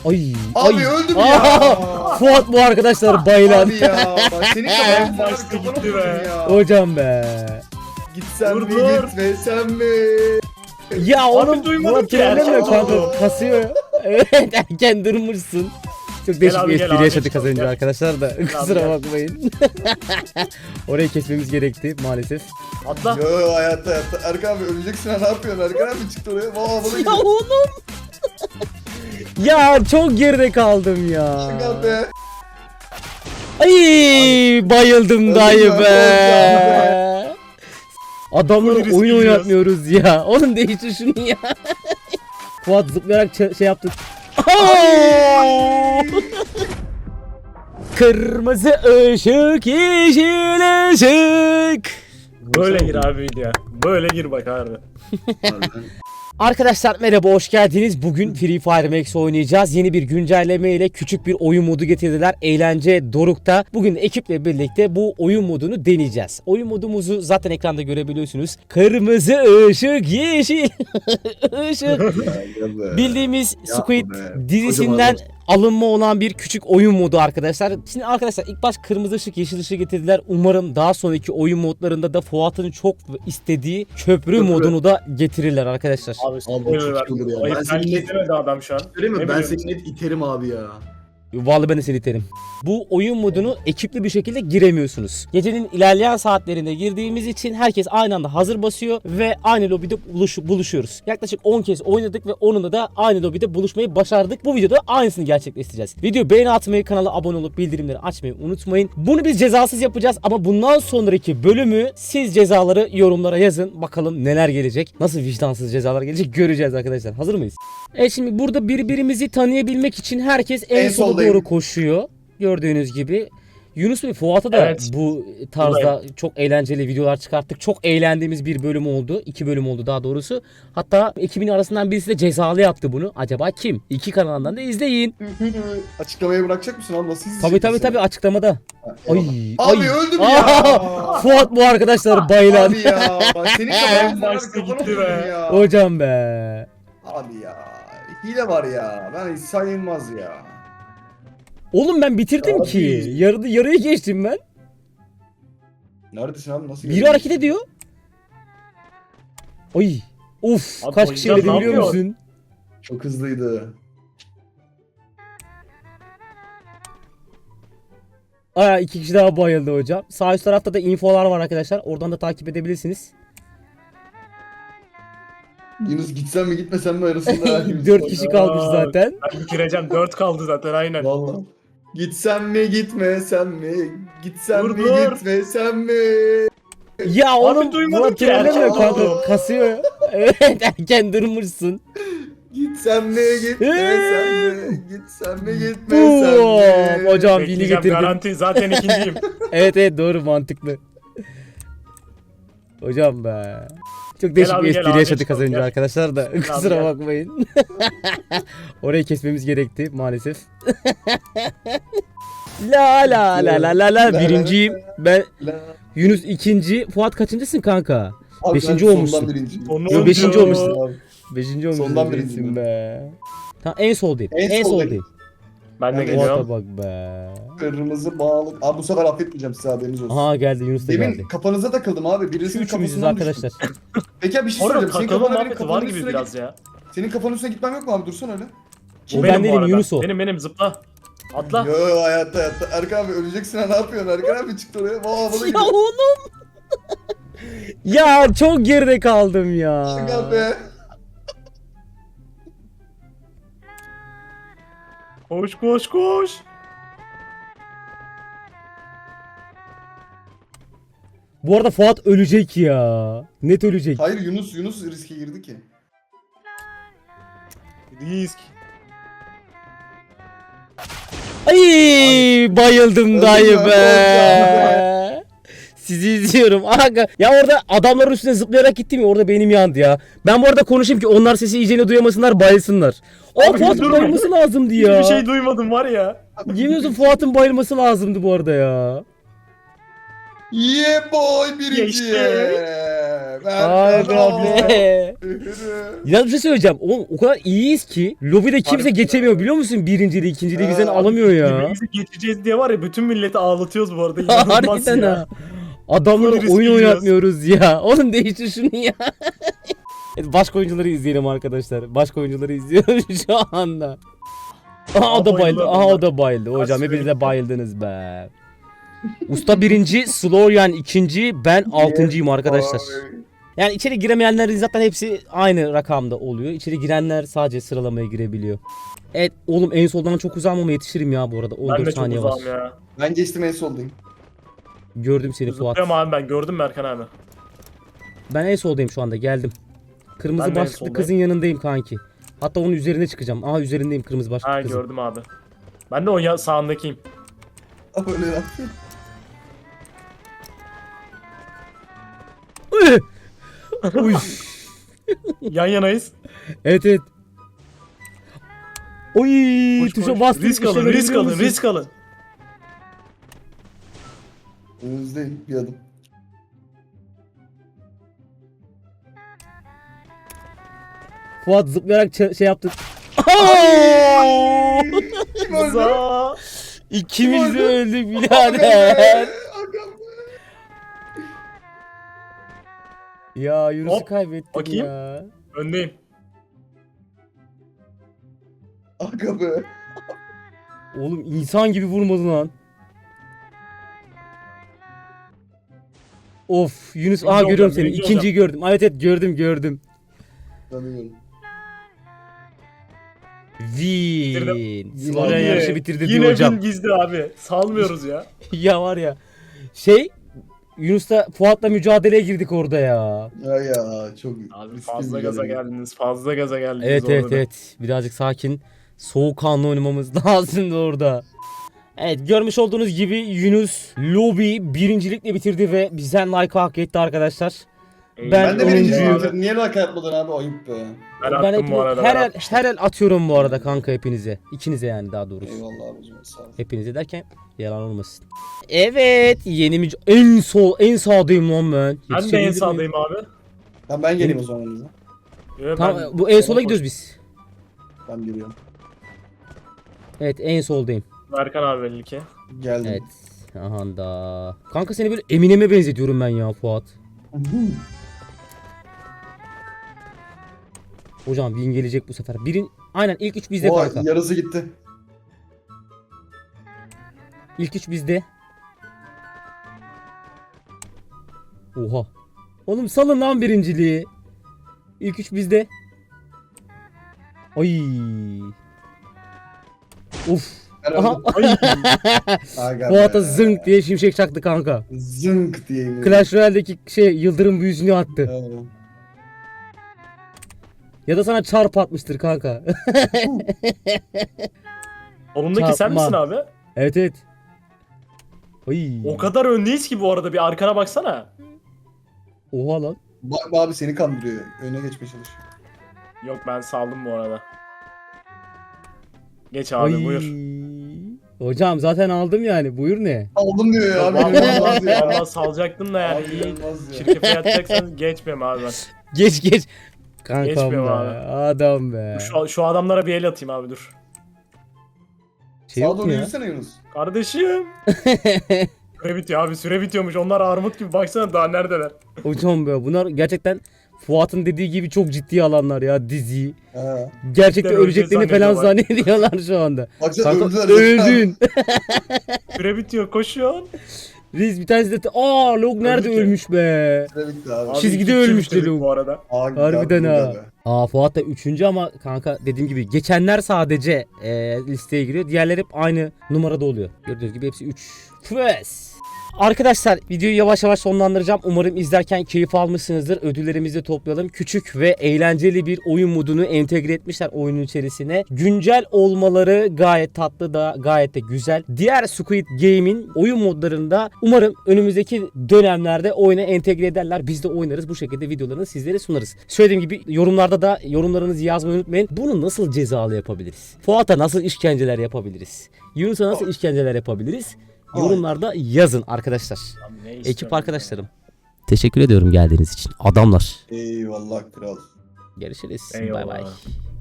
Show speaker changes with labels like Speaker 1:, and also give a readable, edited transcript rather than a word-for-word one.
Speaker 1: Ay
Speaker 2: Abi
Speaker 1: ay.
Speaker 2: öldüm ya.
Speaker 1: Fuat bu arkadaşlar bayılan.
Speaker 2: Abi ya. Bak senin
Speaker 3: En
Speaker 2: kafanı
Speaker 3: başta gitti be.
Speaker 2: ya.
Speaker 1: Hocam be.
Speaker 2: Gitsen
Speaker 3: Dur,
Speaker 2: mi
Speaker 3: dur.
Speaker 2: gitmesen mi?
Speaker 1: Ya oğlum
Speaker 3: duymadım
Speaker 1: Murat
Speaker 3: ki,
Speaker 1: trollemiyor
Speaker 3: erken
Speaker 1: kanka.
Speaker 3: oldu.
Speaker 1: Kasıyor. Evet erken durmuşsun. Çok değişik
Speaker 3: abi,
Speaker 1: bir
Speaker 3: gel
Speaker 1: espri
Speaker 3: abi,
Speaker 1: yaşadık az
Speaker 3: gel.
Speaker 1: önce arkadaşlar da kusura
Speaker 3: gel.
Speaker 1: bakmayın. Orayı kesmemiz gerekti maalesef.
Speaker 3: Atla.
Speaker 2: Yo hayatta. Erkan abi öleceksin ha, ne yapıyorsun? Erkan abi çıktı oraya. Valla bana
Speaker 1: Ya
Speaker 2: gidiyor.
Speaker 1: oğlum. Ya çok geride kaldım ya.
Speaker 2: Erkan be.
Speaker 1: Ay bayıldım
Speaker 2: Öldüm
Speaker 1: dayı
Speaker 2: ben,
Speaker 1: be. Adamlara
Speaker 3: Full risk
Speaker 1: oyun
Speaker 3: gidiyoruz.
Speaker 1: oynatmıyoruz ya. Oğlum değiştir şunu ya. Fuat zıplayarak şey yaptı. Kırmızı ışık, yeşil ışık.
Speaker 3: Böyle gir abi video. Böyle gir bak abi.
Speaker 1: Arkadaşlar merhaba, hoş geldiniz. Bugün Free Fire Max oynayacağız. Yeni bir güncelleme ile küçük bir oyun modu getirdiler. Eğlence Doruk'ta. Bugün ekiple birlikte bu oyun modunu deneyeceğiz. Oyun modumuzu zaten ekranda görebiliyorsunuz. Kırmızı ışık, yeşil ışık. Bildiğimiz Squid
Speaker 2: be.
Speaker 1: dizisinden alınma olan bir küçük oyun modu arkadaşlar. Şimdi arkadaşlar ilk baş kırmızı ışık, yeşil ışık getirdiler. Umarım daha sonraki oyun modlarında da Fuat'ın çok istediği köprü modunu da getirirler arkadaşlar.
Speaker 3: Abi
Speaker 4: Abi çok iyi olur ya.
Speaker 3: Ayıp
Speaker 4: Ben
Speaker 3: ben
Speaker 4: seni net
Speaker 3: demedi adam şu an.
Speaker 4: söyleyeyim mi?
Speaker 3: Ne
Speaker 4: Ben
Speaker 3: biliyorsun?
Speaker 4: seni net iterim abi ya.
Speaker 1: Vallahi ben de seni iterim. Bu oyun modunu ekipli bir şekilde giremiyorsunuz. Gecenin ilerleyen saatlerinde girdiğimiz için herkes aynı anda hazır basıyor ve aynı lobide buluşuyoruz. Yaklaşık 10 kez oynadık ve onunla da aynı lobide buluşmayı başardık. Bu videoda aynısını gerçekleştireceğiz. Video beğeni atmayı, kanala abone olup bildirimleri açmayı unutmayın. Bunu biz cezasız yapacağız ama bundan sonraki bölümü siz cezaları yorumlara yazın. Bakalım neler gelecek. Nasıl vicdansız cezalar gelecek göreceğiz arkadaşlar. Hazır mıyız? Evet, şimdi burada birbirimizi tanıyabilmek için herkes en
Speaker 2: En
Speaker 1: sola
Speaker 2: soldayım.
Speaker 1: doğru koşuyor. Gördüğünüz gibi. Yunus Bey, Fuat'a da
Speaker 3: Evet.
Speaker 1: bu tarzda çok eğlenceli videolar çıkarttık. Çok eğlendiğimiz bir bölüm oldu. 2 bölüm oldu daha doğrusu. Hatta ekibin arasından birisi de cezalı yaptı bunu. Acaba kim? 2 kanalından da izleyin.
Speaker 2: Açıklamayı bırakacak mısın abi? Nasıl
Speaker 1: Tabii
Speaker 2: izleyeceksin?
Speaker 1: açıklamada.
Speaker 2: Ay.
Speaker 1: Ay.
Speaker 2: Abi öldüm
Speaker 1: Aa,
Speaker 2: ya.
Speaker 1: Fuat bu arkadaşlar bayılan.
Speaker 2: Abi ya. Bak senin
Speaker 3: En
Speaker 2: kafanı
Speaker 3: başta gitti be.
Speaker 2: ya.
Speaker 1: Hocam be.
Speaker 2: Abi ya. Hile var ya. Ben hiç sayılmaz ya.
Speaker 1: Oğlum ben bitirdim
Speaker 2: Abi.
Speaker 1: ki. Yarıya geçtim ben.
Speaker 2: Neredesin abi? Nasıl
Speaker 1: Biri hareket ediyor. Ay. Of,
Speaker 3: Abi
Speaker 1: kaç
Speaker 3: o
Speaker 1: kişi
Speaker 3: yüzden
Speaker 1: öldü
Speaker 3: ne
Speaker 1: biliyor
Speaker 3: yapıyor?
Speaker 1: musun?
Speaker 2: Çok hızlıydı.
Speaker 1: Aa, 2 kişi daha bayıldı hocam. Sağ üst tarafta da infolar var arkadaşlar. Oradan da takip edebilirsiniz.
Speaker 2: Yunus gitsen mi gitmesen mi arasında?
Speaker 1: 4 kişi kalmış
Speaker 3: Aa,
Speaker 1: zaten.
Speaker 3: Ben bitireceğim. 4 kaldı zaten aynen.
Speaker 2: Valla. Gitsen mi gitmesen mi? Gitsen
Speaker 3: Dur,
Speaker 2: mi
Speaker 3: dur.
Speaker 2: gitmesen mi?
Speaker 1: Ya oğlum
Speaker 3: duymadım
Speaker 1: Murat
Speaker 3: ki,
Speaker 1: trollemiyor
Speaker 3: erken
Speaker 1: kanka.
Speaker 3: oldu.
Speaker 1: Kasıyor. Evet erken durmuşsun.
Speaker 2: Gitsen mi gitmesen mi? Gitsen mi gitmesen
Speaker 1: Boom.
Speaker 2: mi?
Speaker 1: Hocam vini
Speaker 3: Bekleyeceğim,
Speaker 1: getirdim.
Speaker 3: garanti zaten ikinciyim.
Speaker 1: Evet doğru, mantıklı. Hocam be. Çok değişik
Speaker 3: abi,
Speaker 1: bir
Speaker 3: gel
Speaker 1: espri
Speaker 3: abi,
Speaker 1: yaşadık az
Speaker 3: çıkalım,
Speaker 1: önce
Speaker 3: gel.
Speaker 1: arkadaşlar da kusura
Speaker 3: gel.
Speaker 1: bakmayın. Orayı kesmemiz gerekti maalesef. La la la la la la, birinciyim. Ben
Speaker 2: La-
Speaker 1: Yunus ikinci. Fuat kaçıncısın kanka?
Speaker 2: Abi
Speaker 1: Beşinci
Speaker 2: ben
Speaker 1: olmuşsun.
Speaker 2: sondan birinciyim.
Speaker 3: Onu
Speaker 1: Yo, beşinci
Speaker 3: oynuyor.
Speaker 1: olmuşsun.
Speaker 2: Abi.
Speaker 1: Beşinci olmuşsun.
Speaker 2: Sondan
Speaker 1: değilsin
Speaker 2: birinciyim
Speaker 1: be. Tamam en soldayım.
Speaker 2: En
Speaker 1: En
Speaker 2: soldayım.
Speaker 1: soldayım.
Speaker 3: Ben de
Speaker 2: Ben de
Speaker 3: geliyorum.
Speaker 1: Fuat'a bak be.
Speaker 2: Kırmızı bağlık. Abi bu sefer affetmeyeceğim size, haberiniz olsun.
Speaker 1: Aha geldi, Yunus da
Speaker 2: Demin
Speaker 1: geldi.
Speaker 2: kafanıza takıldım abi.
Speaker 1: Şu
Speaker 2: Birisinin
Speaker 1: üçümüzüz
Speaker 2: kafasından
Speaker 1: arkadaşlar.
Speaker 2: düştüm. Peki abi bir şey
Speaker 3: Orada
Speaker 2: söyleyeceğim. Senin
Speaker 3: takılma
Speaker 2: kafana benim
Speaker 3: muhabbeti var
Speaker 2: kafamın
Speaker 3: gibi
Speaker 2: üstüne
Speaker 3: biraz
Speaker 2: git.
Speaker 3: ya.
Speaker 2: Senin kafanın üstüne gitmem yok mu abi? Dursun öyle.
Speaker 1: O ben
Speaker 3: Benim bu
Speaker 1: değilim,
Speaker 3: arada.
Speaker 1: Yunus o.
Speaker 3: Benim zıpla. Atla.
Speaker 2: Yo hayatta. Erkan abi öleceksin ha, ne yapıyorsun? Erkan abi çıktı oraya. Valla bana
Speaker 1: Ya
Speaker 2: gidiyor.
Speaker 1: oğlum. Ya çok geride kaldım ya.
Speaker 2: Erkan be.
Speaker 3: Koş koş koş.
Speaker 1: Bu arada Fuat ölecek ya. Net ölecek.
Speaker 2: Hayır Yunus riske girdi ki.
Speaker 3: Risk.
Speaker 1: Ay bayıldım dayı
Speaker 2: Öldüm
Speaker 1: be.
Speaker 2: ben,
Speaker 1: Sizi izliyorum. Aga. Ya orada adamların üstüne zıplayarak gittim ya, orada benim yandı ya. Ben bu arada konuşayım ki onlar sesi iyicene duyamasınlar, bayılsınlar. O
Speaker 3: Abi,
Speaker 1: Fuat'ın
Speaker 3: durma.
Speaker 1: bayılması lazımdı ya.
Speaker 3: Hiçbir şey duymadım var ya.
Speaker 1: Yemin ediyorum Fuat'ın bayılması lazımdı bu arada ya.
Speaker 2: Yeah boy birinci.
Speaker 3: Geçti.
Speaker 1: Aga be. Ya bir şey söyleyeceğim. Oğlum o kadar iyiyiz ki lobide kimse
Speaker 3: Harbiden
Speaker 1: geçemiyor biliyor musun? Birinciliği, ikinciliği bizden alamıyor ya.
Speaker 3: Birbirimizi geçeceğiz diye var ya bütün milleti ağlatıyoruz bu arada. İnanılmaz
Speaker 1: Harbiden
Speaker 3: ya.
Speaker 1: ha. Adamlara
Speaker 3: Full risk
Speaker 1: oyun
Speaker 3: gidiyoruz.
Speaker 1: oynatmıyoruz ya. Oğlum değiştir şunu ya. Evet, başka oyuncuları izleyelim arkadaşlar. Başka oyuncuları izliyoruz şu anda. Aha o da bayıldı.
Speaker 3: bayıldı
Speaker 1: Aha
Speaker 3: adamlar.
Speaker 1: o da bayıldı. Hocam
Speaker 3: Kaç
Speaker 1: hepiniz de
Speaker 3: süre
Speaker 1: bayıldınız be. Usta birinci, Sloryan ikinci, ben altıncıyım arkadaşlar. Yani içeri giremeyenlerin zaten hepsi aynı rakamda oluyor. İçeri girenler sadece sıralamaya girebiliyor. Evet oğlum en soldan çok uzağım ama yetişirim ya bu arada.
Speaker 3: Ben de
Speaker 1: 14
Speaker 3: çok
Speaker 1: saniye var.
Speaker 3: uzağım ya.
Speaker 2: Ben geçtim en soldayım.
Speaker 1: Gördüm seni Fuat.
Speaker 3: Zıplıyorum abi ben gördüm Merkan abi.
Speaker 1: Ben en soldayım şu anda geldim. Kırmızı
Speaker 3: Ben de en
Speaker 1: başlıklı
Speaker 3: soldayım.
Speaker 1: kızın yanındayım kanki. Hatta onun üzerine çıkacağım. Aha üzerindeyim kırmızı başlıklı
Speaker 3: Ha
Speaker 1: kızın.
Speaker 3: gördüm abi. Ben de o sağındakiyim.
Speaker 2: Öyle lan.
Speaker 1: Uy.
Speaker 3: Yan yanayız.
Speaker 1: Evet evet. Oy
Speaker 3: Koş,
Speaker 1: tuşa
Speaker 3: koş.
Speaker 1: bastım.
Speaker 3: Risk alın,
Speaker 1: işlemedi
Speaker 3: risk
Speaker 1: biliyor
Speaker 3: alın,
Speaker 1: musun?
Speaker 3: risk alın.
Speaker 2: Önünüzdeyim bir adım.
Speaker 1: Fuat zıplayarak şey yaptı.
Speaker 2: Kim öldü?
Speaker 3: Za.
Speaker 1: İkimiz de
Speaker 2: Kim öldü?
Speaker 1: öldük
Speaker 2: Aga
Speaker 1: birader.
Speaker 2: be, aga be.
Speaker 1: Ya Yunus'u
Speaker 3: Hop,
Speaker 1: kaybettik
Speaker 3: bakayım.
Speaker 1: ya.
Speaker 3: Öndeyim.
Speaker 2: Aga be.
Speaker 1: Oğlum insan gibi vurmadı lan. Of Yunus
Speaker 3: Birinci
Speaker 1: aha görüyorum
Speaker 3: olacağım,
Speaker 1: seni.
Speaker 3: birinci
Speaker 1: İkinciyi gördüm. Evet evet gördüm.
Speaker 2: Tanıyorum.
Speaker 1: Win. Slovenya
Speaker 3: Abi,
Speaker 1: yarışı bitirdi diyor
Speaker 3: Yine
Speaker 1: hocam.
Speaker 3: bin gizli abi. Salmıyoruz ya.
Speaker 1: Ya var ya. Şey Yunus'la Fuat'la mücadeleye girdik orada ya.
Speaker 2: Ya çok
Speaker 3: Abi
Speaker 2: riskli
Speaker 3: fazla
Speaker 2: bir
Speaker 3: gaza
Speaker 2: görev.
Speaker 3: geldiniz. Fazla gaza geldiniz.
Speaker 1: Evet
Speaker 3: orada
Speaker 1: evet
Speaker 3: da.
Speaker 1: evet. Birazcık sakin. Soğukkanlı oynamamız lazımdı orada. Evet görmüş olduğunuz gibi Yunus Lobby birincilikle bitirdi ve bizden like hak etti arkadaşlar.
Speaker 2: Ben de birinci
Speaker 1: onuncuyum.
Speaker 2: bitirdim. Niye like yapmadın abi? Ayıp be.
Speaker 3: Ben
Speaker 1: Ben
Speaker 3: attım
Speaker 1: hepiniz,
Speaker 3: bu arada.
Speaker 1: her
Speaker 3: ben
Speaker 1: el,
Speaker 3: atmıştım.
Speaker 1: her el atıyorum bu arada kanka hepinize. İkinize yani daha doğrusu.
Speaker 2: Eyvallah abicim sağ ol.
Speaker 1: Hepinize derken yalan olmasın. Evet yeni en sağdayım lan ben.
Speaker 3: Ben de en
Speaker 1: Yetişebilir miyim?
Speaker 3: sağdayım abi.
Speaker 2: Tamam ben geleyim o zaman yanınıza.
Speaker 1: Tamam
Speaker 3: Ben-
Speaker 1: bu en sola
Speaker 3: Koş.
Speaker 1: gidiyoruz biz.
Speaker 2: Ben geliyorum.
Speaker 1: Evet en soldayım.
Speaker 3: Merkan abi belli ki.
Speaker 2: Geldim.
Speaker 1: Evet. Aha da. Kanka seni böyle Eminem'e benzetiyorum ben ya Fuat. Hocam win gelecek bu sefer. Aynen ilk 3 bizde
Speaker 2: O
Speaker 1: kanka.
Speaker 2: yarısı gitti.
Speaker 1: İlk 3 bizde. Oha. Oğlum salın lan birinciliği. İlk 3 bizde. Ay. Uf.
Speaker 2: Ben
Speaker 1: Aha.
Speaker 2: öldüm. Aga
Speaker 1: Fuat'a
Speaker 2: be.
Speaker 1: zınk diye şimşek çaktı kanka.
Speaker 2: Zınk diyeyim.
Speaker 1: Clash Royale'deki yıldırım büyüsünü attı.
Speaker 2: Evet.
Speaker 1: Ya da sana çarp atmıştır kanka.
Speaker 3: Solundaki sen
Speaker 1: Çarpma.
Speaker 3: misin abi?
Speaker 1: Evet evet. Ay.
Speaker 3: O kadar öndeyiz ki bu arada bir arkana baksana.
Speaker 1: Oha lan.
Speaker 2: Bak abi seni kandırıyor. Öne geçmeye çalış.
Speaker 3: Yok ben saldım bu arada. Geç abi
Speaker 1: Ay.
Speaker 3: buyur.
Speaker 1: Hocam zaten aldım yani. Buyur ne?
Speaker 2: Aldım diyor ya.
Speaker 3: Yok,
Speaker 2: Benim olmaz
Speaker 3: vallahi,
Speaker 2: ya.
Speaker 3: vallahi salacaktım da yani
Speaker 2: Abi
Speaker 3: iyi.
Speaker 2: olmaz ya.
Speaker 3: Şirkete yatacaksan geçmem abi ben.
Speaker 1: Geç. Kankam
Speaker 3: Geçmiyorum
Speaker 1: be.
Speaker 3: abi.
Speaker 1: Adam be.
Speaker 3: Şu adamlara bir el atayım abi dur.
Speaker 1: Şey
Speaker 2: Sağa
Speaker 1: yok mu
Speaker 2: doğru
Speaker 1: ya?
Speaker 2: yürüsene Yunus.
Speaker 3: Kardeşim. Süre bitiyor abi süre bitiyormuş. Onlar armut gibi baksana daha neredeler.
Speaker 1: Hocam be bunlar gerçekten Fuat'ın dediği gibi çok ciddi alanlar ya diziyi.
Speaker 2: Ha.
Speaker 1: Gerçekten
Speaker 3: Cidden
Speaker 1: öleceklerini
Speaker 3: öleceğiz
Speaker 1: falan
Speaker 3: zannediyorlar.
Speaker 1: zannediyorlar şu anda.
Speaker 2: Baksana
Speaker 1: Kanka
Speaker 2: öldüler.
Speaker 1: öldün.
Speaker 3: Süre bitiyor koşuyorsun.
Speaker 1: Reis bir tanesi de Log nerede
Speaker 3: Öldü ki.
Speaker 1: ölmüş be.
Speaker 2: Süre bitti abi.
Speaker 3: Abi
Speaker 1: Çizgide
Speaker 3: iki
Speaker 1: ölmüş
Speaker 3: bitirdik
Speaker 1: Deluk.
Speaker 3: bu arada.
Speaker 2: Abi,
Speaker 1: Harbiden
Speaker 2: abi,
Speaker 1: ha. Fuat da 3. ama kanka dediğim gibi geçenler sadece listeye giriyor. Diğerleri hep aynı numarada oluyor. Gördüğünüz gibi hepsi 3. Fües. Arkadaşlar videoyu yavaş yavaş sonlandıracağım. Umarım izlerken keyif almışsınızdır. Ödüllerimizi de toplayalım. Küçük ve eğlenceli bir oyun modunu entegre etmişler oyunun içerisine. Güncel olmaları gayet tatlı da gayet de güzel. Diğer Squid Game'in oyun modlarında umarım önümüzdeki dönemlerde oyuna entegre ederler. Biz de oynarız. Bu şekilde videolarını sizlere sunarız. Söylediğim gibi yorumlarda da yorumlarınızı yazmayı unutmayın. Bunu nasıl cezalı yapabiliriz? Fuat'a nasıl işkenceler yapabiliriz? Yunus'a nasıl işkenceler yapabiliriz? Yorumlarda yazın arkadaşlar.
Speaker 3: Abi ne
Speaker 1: Ekip
Speaker 3: istiyorsun
Speaker 1: arkadaşlarım. Teşekkür ediyorum geldiğiniz için. Adamlar.
Speaker 2: Eyvallah kral.
Speaker 1: Görüşürüz.
Speaker 3: Eyvallah.
Speaker 1: Bay bay.